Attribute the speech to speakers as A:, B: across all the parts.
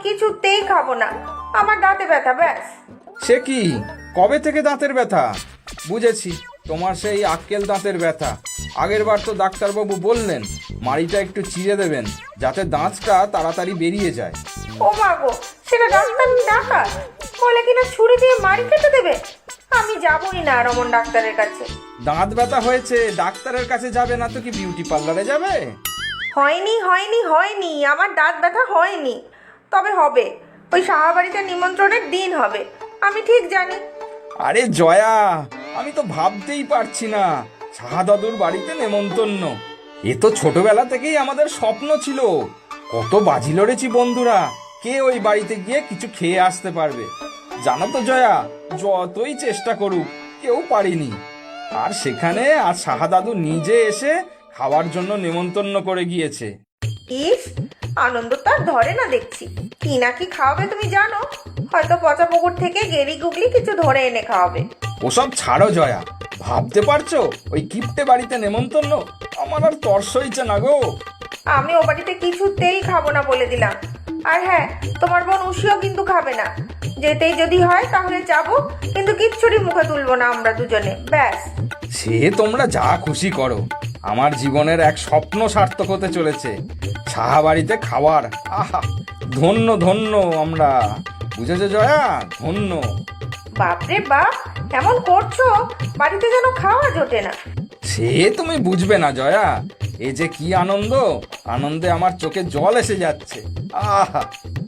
A: কিছুতেই খাবো না, আমার দাঁতে ব্যথা ব্যাস।
B: সে কি, কবে থেকে দাঁতের ব্যথা? বুঝেছি, তোমার সেই আক্কেল দাঁতের ব্যথা। আগের বার তো ডাক্তারবাবু বললেন মাড়িটা একটু চিড়ে দেবেন যাতে দাঁতটা তাড়াতাড়ি বেরিয়ে যায়।
A: ও মা গো, সেটা ডাক্তার ডাকা বলে কিনা ছুরি দিয়ে মারি কেটে দেবে? আমি যাবই না রমন ডাক্তারের কাছে।
B: দাঁত ব্যথা হয়েছে, ডাক্তারের কাছে যাবে না তো কি বিউটি পার্লারে যাবে?
A: হয়নি হয়নি হয়নি, আমার দাঁত ব্যথা হয়নি, তবে হবে। ওই সাহাবাড়িতে নিমন্ত্রণের দিন হবে, আমি ঠিক জানি।
B: আরে জয়া, আমি তো ভাবতেই পারছি না সাহা দাদুর বাড়িতে নেমন্তন্ন। এ তো ছোটবেলা থেকেই আমাদের স্বপ্ন ছিল। কত বাজি লড়েছি বন্ধুরা, কে ওই বাড়িতে গিয়ে কিছু খেয়ে আসতে পারবে। জানো তো জয়া, যতই চেষ্টা করুক কেউ পারিনি। আর সেখানে আর সাহা দাদু নিজে এসে খাওয়ার জন্য নেমন্তন্ন করে গিয়েছে।
A: ইস, আনন্দ তো আর ধরে না দেখছি। কি না কি খাওয়াবে তুমি জানো? হয়তো পচা পুকুর থেকে গেরি গুগলি কিছু ধরে এনে খাওয়াবে।
B: ওসব ছাড়ো জয়া, ভাবতে পারছো ওই কিপ্টে বাড়িতে নেমন্তন্ন? আমার আর তর্স হইছে না গো।
A: আমি ও বাড়িতে কিছুতেই খাবো না বলে দিলাম। আর হ্যাঁ, তোমার বোন উষিও কিন্তু খাবে না। যেতেই যদি হয় তাহলে যাবো, কিন্তু কিচ্ছুরি মুখে তুলবো না আমরা দুজনে, ব্যাস।
B: সে তোমরা যা খুশি করো, আমার জীবনের এক স্বপ্ন সার্থক হতে চলেছে। সাহা বাড়িতে খাওয়ার, আহা, ধন্য ধন্য আমরা। বুঝেছো জয়া, ধন্য।
A: বাপরে বাপ, এমন করছো বাড়িতে যেন খাওয়া জোটে না।
B: সে তুমি বুঝবে না জয়া, এ যে কি আনন্দ, আনন্দে আমার চোখে জল এসে যাচ্ছে। আহা,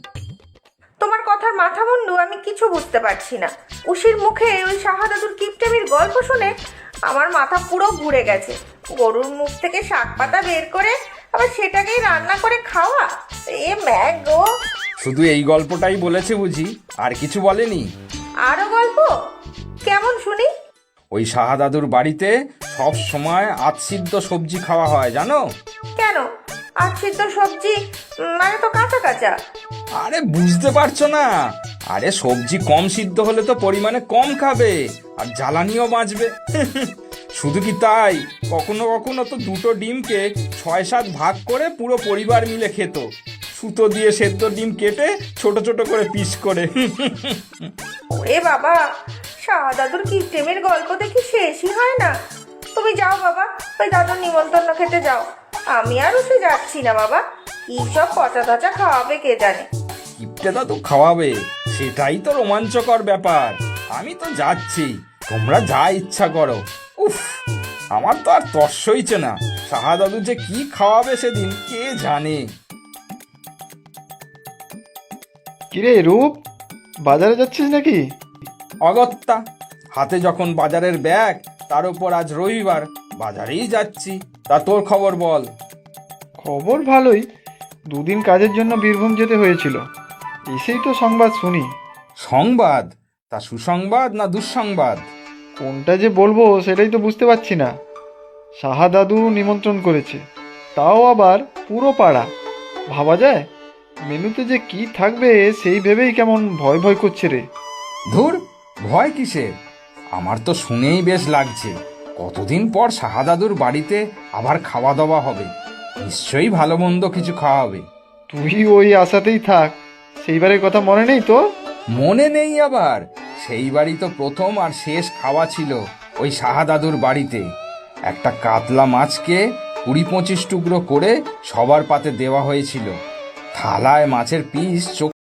A: তোমার কথার মাথা মুন্ডু আমি কিছু বুঝতে পারছি না। উশির মুখে ওই শাহাদাতুর কিপটেমির গল্প শুনে আমার মাথা পুরো ঘুরে গেছে। গরুর মুখ থেকে শাক পাতা বের করে আবার সেটাকেই রান্না করে খাওয়া, এ ম্যাগ গো।
B: শুধু এই গল্পটাই বলেছে বুঝি, আর কিছু বলেনি?
A: আরো গল্প? কেমন শুনি?
B: ওই সাহা দাদুর বাড়িতে সব সময় আধসিদ্ধ সবজি খাওয়া হয় জানো?
A: কেন? আর সিদ্ধ সবজি মানে তো কাঁচা কাঁচা।
B: আরে বুঝতে পারছো না? আরে সবজি কম সিদ্ধ হলে তো পরিমাণে কম খাবে আর জ্বালানিও বাঁচবে। শুধু কি তাই, কখনো কখনো তো দুটো ডিমকে 6-7 ভাগ করে পুরো পরিবার মিলে খেত, সুতো দিয়ে সেদ্ধ ডিম কেটে ছোট ছোট করে পিস করে।
A: ওরে বাবা, শাহাদাতুর কিপটেমির গল্প দেখি শেষই হয় না। তুমি যাও বাবা, ওই দাদুর নিমন্ত্রণ খেতে যাও। আমি আর উঠে যাচ্ছি না বাবা, কি সব পচা তচা খাওয়াবে কে জানে।
B: কিপটে দাদু খাওয়াবে, সেটাই তো রোমাঞ্চকর ব্যাপার। আমি তো যাচ্ছি, তোমরা যা ইচ্ছা করো। উফ, আমার তো আর তর্স হইছে না। সাহা দাদু যে কি খাওয়াবে সেদিন কে জানে।
C: কিরে রূপ, বাজারে যাচ্ছিস নাকি?
B: অগত্যা, হাতে যখন বাজারের ব্যাগ, তার উপর আজ রবিবার, বাজারেই যাচ্ছি। তা তোর খবর বল।
C: খবর ভালোই। দুদিন কাজের জন্য বীরভূম যেতে হয়েছিল, এসেই তো সংবাদ শুনি।
B: সংবাদ? তা সুসংবাদ না দুঃসংবাদ?
C: কোনটা যে বলবো সেটাই তো বুঝতে পারছি না। সাহা দাদু নিমন্ত্রণ করেছে, তাও আবার পুরো পাড়া। ভাবা যায়? মেনুতে যে কি থাকবে সেই ভেবেই কেমন ভয় ভয় করছে রে।
B: ধুর, ভয় কিসের? আমার তো শুনেই বেশ লাগছে। কতদিন পর সাহা দাদুর বাড়িতে আবার খাওয়া দাওয়া হবে, নিশ্চয়ই ভালো মন্দ কিছু খাওয়াবে।
C: তুই ওই আশাতেই থাক। সেইবারের কথা মনে নেই তো?
B: মনে নেই আবার? সেই বাড়ি তো প্রথম আর শেষ খাওয়া ছিল ওই সাহা দাদুর বাড়িতে। একটা কাতলা মাছকে 20-25 টুকরো করে সবার পাতে দেওয়া হয়েছিল। থালায় মাছের পিস